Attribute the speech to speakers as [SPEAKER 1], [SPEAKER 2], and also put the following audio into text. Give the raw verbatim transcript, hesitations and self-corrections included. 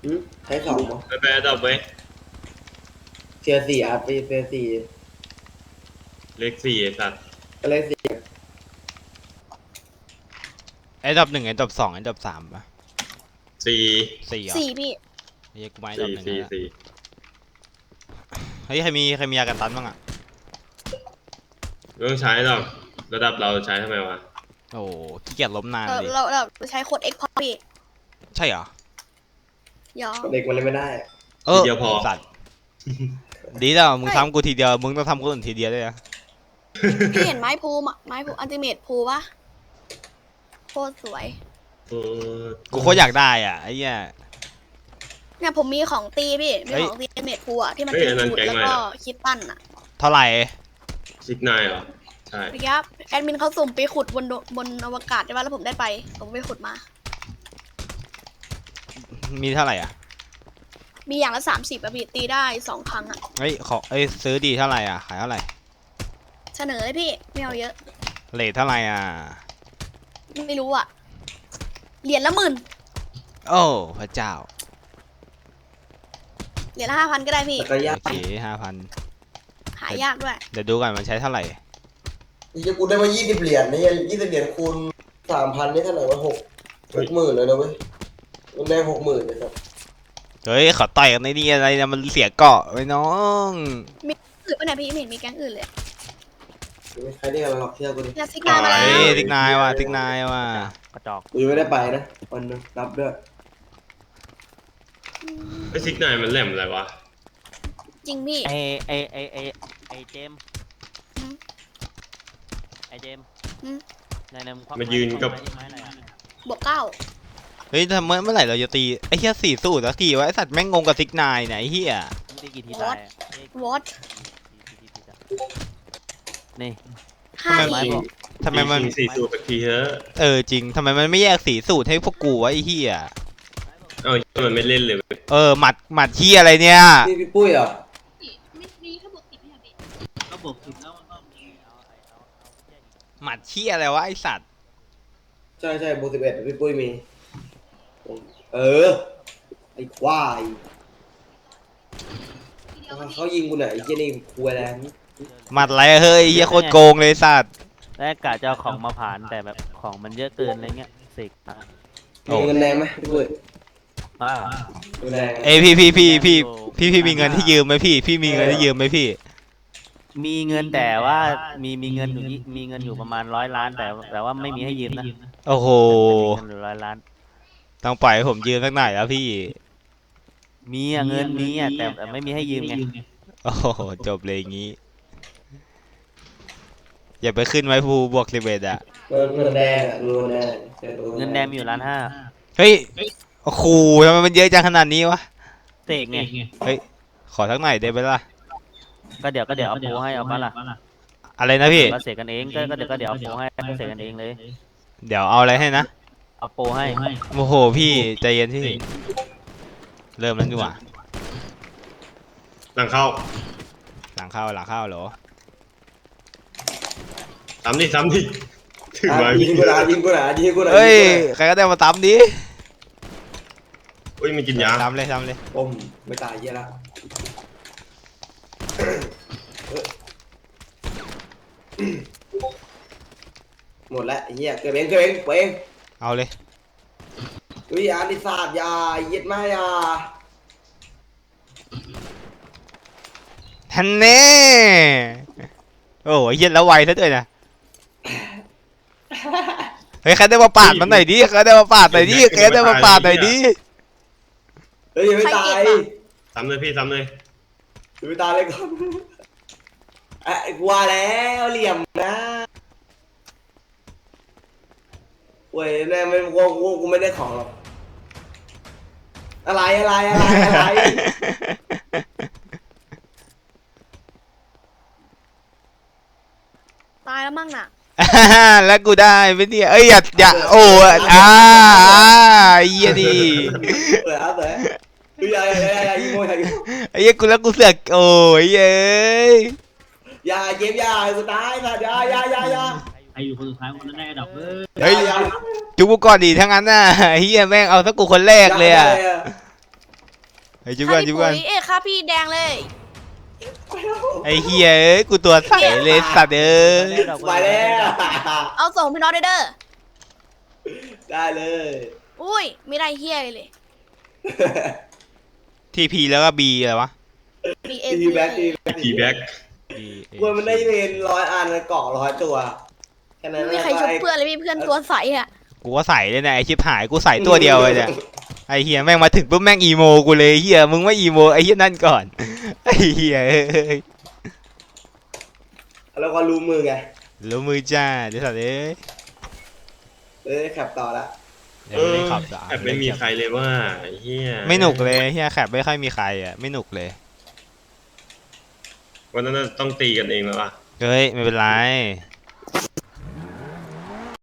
[SPEAKER 1] ใช้สอง
[SPEAKER 2] ไปไปดับไว้
[SPEAKER 1] เทียร์สี่อาร์ปีเทียร์สี่
[SPEAKER 2] เลขสี่ไอ้สัตว์
[SPEAKER 1] ก็เลขสี่
[SPEAKER 3] ไอ้ดับหนึ่งไอ้ดับสองไอ้ดับสามปะ
[SPEAKER 2] สี่
[SPEAKER 3] สี่เหรอ
[SPEAKER 4] สี่พี่
[SPEAKER 3] เฮ้ยกูไม่ดับหนึ่งแล้ว
[SPEAKER 2] สี่
[SPEAKER 3] เฮ้ยใครมีใครมียากันตันบ้างอ่ะ
[SPEAKER 2] ไม่ต้องใช้หรอกระดับเราใช้ทำไมวะ
[SPEAKER 3] โอ้ขี้เกียจล้มนาน
[SPEAKER 4] เออ
[SPEAKER 3] ดิ
[SPEAKER 4] เราเราใช้โค้ด X พอพี่
[SPEAKER 3] ใช่เหรอ
[SPEAKER 4] ยอม
[SPEAKER 1] เด็กมันเลยไม่ได้
[SPEAKER 3] เออสัตว์ดีแล้วมึงทำกูทีเดียวมึงต้องทำคนอื่นทีเดียวด้วยนะ
[SPEAKER 4] พี่เห็นไม้ภูมะไม้ภูอัลติเมทภูปะโคตรสวย
[SPEAKER 2] เออ
[SPEAKER 3] กูโคตรอยากได้อ่ะไอ้เหี้ย
[SPEAKER 4] เนี่ยผมมีของตีพี่มีของตีอัลติเมทภูอะที่มันเป็นสูตรแล้วก็คิดปั้นอะ
[SPEAKER 3] เท่าไหร่
[SPEAKER 2] ซิกนายเหรอใช่
[SPEAKER 4] เมื่อกี้แอดมินเขาสุ่มไปขุดบนบนอวกาศใช่ปะแล้วผมได้ไปผมไปขุดมา
[SPEAKER 3] มีเท่าไหร่อ่ะ
[SPEAKER 4] มีอย่างละสามสิบอะพี่ตีได้สองครั้งอะ
[SPEAKER 3] เฮ้ยขอเอ้ยซื้อดีเท่าไหร่อ่ะขายเท่าไหร่
[SPEAKER 4] เสนอเลยพี่ไม่เอาเยอะ
[SPEAKER 3] เลทเท่าไหร่อ่ะ
[SPEAKER 4] ไม่รู้อะเหรียญละหมื่น
[SPEAKER 3] โอ้พระเจ้า
[SPEAKER 4] เหรียญละห้าพันก็ได้พี่
[SPEAKER 1] แต่ก็ยาก
[SPEAKER 3] โอเคห้าพัน
[SPEAKER 4] หายากด้วย
[SPEAKER 3] เดี๋ยวดูกันมันใช้เท่าไหร่
[SPEAKER 1] ยี่กูได้มายี่สิบเหรียญนี่ยี่สิบเหรียญคูณสามพันนี่เท่าไหร่วะหกหกหมื่นเลยนะเว้ยมันได้หกหมื่นเลยครับ
[SPEAKER 3] เฮ้ยขอต่อยกันในนี่อะไรนะมันเสียเกาะไว้น้อง
[SPEAKER 4] มีอื่นปะเนี่ยพี่ไม่เห็นมีแก๊งอื่นเลย
[SPEAKER 1] ไม่ใครได้กันหรอกเชื่อกูดิ
[SPEAKER 4] เนี่ยซิกนายมาแล้ว
[SPEAKER 3] เฮ้ยติ๊กนายว่ะติ๊กนายว่ะ
[SPEAKER 5] กระจอก
[SPEAKER 1] กูยังไม่ได้ไปนะวันนึงรับด้วย
[SPEAKER 2] ไอ้ซิกนายมันแหลมอะไรวะ
[SPEAKER 4] จริงพี่
[SPEAKER 5] ไอไอไอไอไอเจมส์ไอเจมส์ในในมึงควัก
[SPEAKER 2] มายืนกับ
[SPEAKER 5] ไม้ไม้อะไรอะ
[SPEAKER 4] บวกเก้า
[SPEAKER 3] เฮ้ยทำเมื่อเมื่อไหร่เราจะตีไอ้เหี้ยสี่สูตรสักทีวะไอ้สัตว์แม่งงงกับติ๊กนายเนี่ยไอ้เหี้ย
[SPEAKER 5] มึงตีกี่ทีตายอะเอ้ยว
[SPEAKER 4] อต
[SPEAKER 5] กี่ทีตายนี่
[SPEAKER 4] ห้า
[SPEAKER 5] ไม้
[SPEAKER 4] ที
[SPEAKER 5] บอก
[SPEAKER 3] ทำไมมัน
[SPEAKER 2] สี่สี่สูบสักทีเถอะ
[SPEAKER 3] เออจริงทำไมมันไม่แยกสีสูตรให้พวกกูวะไอ้เหี้ย
[SPEAKER 2] เอ้ามันไม่เล่นเลยเว้ย
[SPEAKER 3] เออหมัดหมัดเหี้ยอะไรเนี่ย
[SPEAKER 1] นี่พี่ปุ้ยเหรอ
[SPEAKER 5] ก็บอกถึงแล้วว่า
[SPEAKER 3] หมัดเหี้ยอะไรวะไอ้สัตว์
[SPEAKER 1] ใช่ใช่โบสิบเอ็ดพี่ปุ้ยมีเออไอ้ควายเขายิงกูไหนไอ้เจนี่คุยแล้ว
[SPEAKER 3] หมัดอะไรเฮ้ยเหี้ยโคตรโกงเลยสัตว์
[SPEAKER 5] แรกกะจะเอาของมาผ่านแต่แบบของมันเยอะเกินอะไรเงี้ยเสกมา
[SPEAKER 1] มีเงินแดงไหมพี่ปุ้ย
[SPEAKER 5] อ่า
[SPEAKER 1] เงินแดง
[SPEAKER 3] เอ้ยพี่พี่พี่พี่พี่พี่มีเงินที่ยืมไหมพี่พี่มีเงินที่ยืมไหมพี่
[SPEAKER 5] มีเงินแต่ว่ามีมีเงินอยู่ยี่มีเงินอยู่ประมาณร้อยล้านแต่แต่ว่าไม่มีให้ยืมนะ
[SPEAKER 3] โอ้โห
[SPEAKER 5] เงินอยู่ร้อยล้าน
[SPEAKER 3] ต้องปล่อยให้ผมยืมสักหน่อยแล้วพี่
[SPEAKER 5] มีอะเงินมีอะแต่แต่ไม่มีให้ยืมไง
[SPEAKER 3] โอ้โหจบเลยอย่างงี้ อย่าไปขึ้นไว้ภูบวกสิบเอ็ดอ่ะ
[SPEAKER 1] เงินเงินแดงอะเงินแดง
[SPEAKER 5] เงินแดงมีอยู่ล้านห้า
[SPEAKER 3] เฮ้ยโอ้โหทำไมมันเยอะจังขนาดนี้วะ
[SPEAKER 5] เสกไง
[SPEAKER 3] เฮ้ยขอสักหน่อยได้ไหมล่ะ
[SPEAKER 5] ก็เดี๋ยวก็เดี๋ยวเอาปูให้เอาปะล่ะ
[SPEAKER 3] อะไรนะพี่
[SPEAKER 5] ก็เสกกันเองก็ก็เดี๋ยวก็เดี๋ยวเอาปูให้ก็เสกกันเองเลย
[SPEAKER 3] เดี๋ยวเอาอะไรให้นะ
[SPEAKER 5] เอาปูให้
[SPEAKER 3] โอ้โหพี่ใจเย็นพี่เริ่มแล้วดีกว่า
[SPEAKER 2] หลังเข้า
[SPEAKER 3] หลังเข้าหลังเข้าเหรอ
[SPEAKER 2] ซ้ำดิซ้ำดิถือ
[SPEAKER 1] อ่ะ
[SPEAKER 2] ไว้
[SPEAKER 1] ยิงกูหนายิงกูหนายิงกูหนา
[SPEAKER 3] เฮ้ยใครก็ได้มาตามดิ
[SPEAKER 2] เฮ้ยมันกินยา
[SPEAKER 3] ตามเลยตามเลย
[SPEAKER 1] ผมไม่ตายเหี้ยละหมดแล้วไอ้เหี้ยเกิดเองเกิดเองเกิดเอง
[SPEAKER 3] เอาเลย
[SPEAKER 1] วิอาริศาสตร์ยาเย็ดมายา
[SPEAKER 3] ทันเน่โอ้ยเย็นแล้วไวซะด้วยนะเฮ้ยใครได้มาปาดมันหน่อยดิใครได้มาปาดหน่อยดิใครได้มาปาดหน่อยดิ
[SPEAKER 1] เฮ้ยยังไม่ตาย
[SPEAKER 2] ซ้ำเลยพี่ซ้ำเลย
[SPEAKER 1] ยังไม่ตายเลยก่อนไอ้กลัวแล้วเหลี่ยมนะเว้ยแน่ไม่กูกูกูไม่ได้ของหรอกอะไรอะไรอะไรอะไร
[SPEAKER 4] ตายแล้วมั่งน่ะ
[SPEAKER 3] แล้วกูได้ไหมเนี่ยเอ้ยอย่าอย่าโอ้อ่าเยี่ยดี
[SPEAKER 1] เปิดอ่ะเปิดเฮ้ยอย่าอย่าอย่าอย่ายิงโมยอย่ายิง
[SPEAKER 3] ไอ้เหี้ยกูแล้วกูเสือกโอ้ยเย้ย
[SPEAKER 1] อย่าเจ็บอย่ากูตายนะอย่าอย่าอย่าอย่า
[SPEAKER 5] ใครอยู่คนสุดท้ายคนนั้นได้ดับเว้ย
[SPEAKER 3] เฮ้ย จุกกูก่อนดีทั้งนั้นน่ะเฮียแม่งเอาสักกูคนแรกเลยอ่ะไอ้จุก
[SPEAKER 4] ค่า
[SPEAKER 3] กัน
[SPEAKER 4] พี่
[SPEAKER 3] จุก
[SPEAKER 4] ปุ๋
[SPEAKER 3] กัน
[SPEAKER 4] ยเอ้ยค่าพี่แดงเลย
[SPEAKER 3] ไอ้เฮียเอ้ยกูตัวใสเลยสัตว์เอ้ย
[SPEAKER 1] มาแล้ว
[SPEAKER 4] เอาส่งพี่น้องเด้อเด้อ
[SPEAKER 1] ได้เลย
[SPEAKER 4] อุ้ยไม่ได้เฮียเลยเลย
[SPEAKER 3] ทีพีแล้วก็บีอะไรวะ
[SPEAKER 4] B A
[SPEAKER 1] ทีแบ็คทีแบ็ค
[SPEAKER 2] ทีแบ็ก
[SPEAKER 3] B A
[SPEAKER 1] กวนมันได้เรียนร้อยอันเกาะร้อยตัวแค่นั้น
[SPEAKER 4] ไม่มีใครชุบเพื่อนเลยพี่เพื่อนตัวใสอ่ะ
[SPEAKER 3] กูก็ใส่เลยนะไอชิบหายกูใส่ตัวเดียวเลยเนี่ยไอเฮียแม่งมาถึงปุ๊บแม่งอีโมกูเลยเฮียมึงไม่อีโมไอเฮียนั่นก่อนไอเฮียเอ้ย
[SPEAKER 1] แล้วก็รู้มือไง
[SPEAKER 3] รู้มือจ้าเดี๋ยวสัตว์เอ้ย
[SPEAKER 1] เอ้ยขับต่อละ
[SPEAKER 3] เดี๋ยวไม่ได้ขับจ้ะ
[SPEAKER 2] แอบไม่มีใครเลยว่าไอ้เฮีย
[SPEAKER 3] ไม่หนุกเลยเฮียแคบไม่ค่อยมีใครอ่ะไม่หนุกเลย
[SPEAKER 2] วันนั้นน่ะต้องตีกันเองแล้วอ่ะ
[SPEAKER 3] เฮ้ยไม่เป็นไร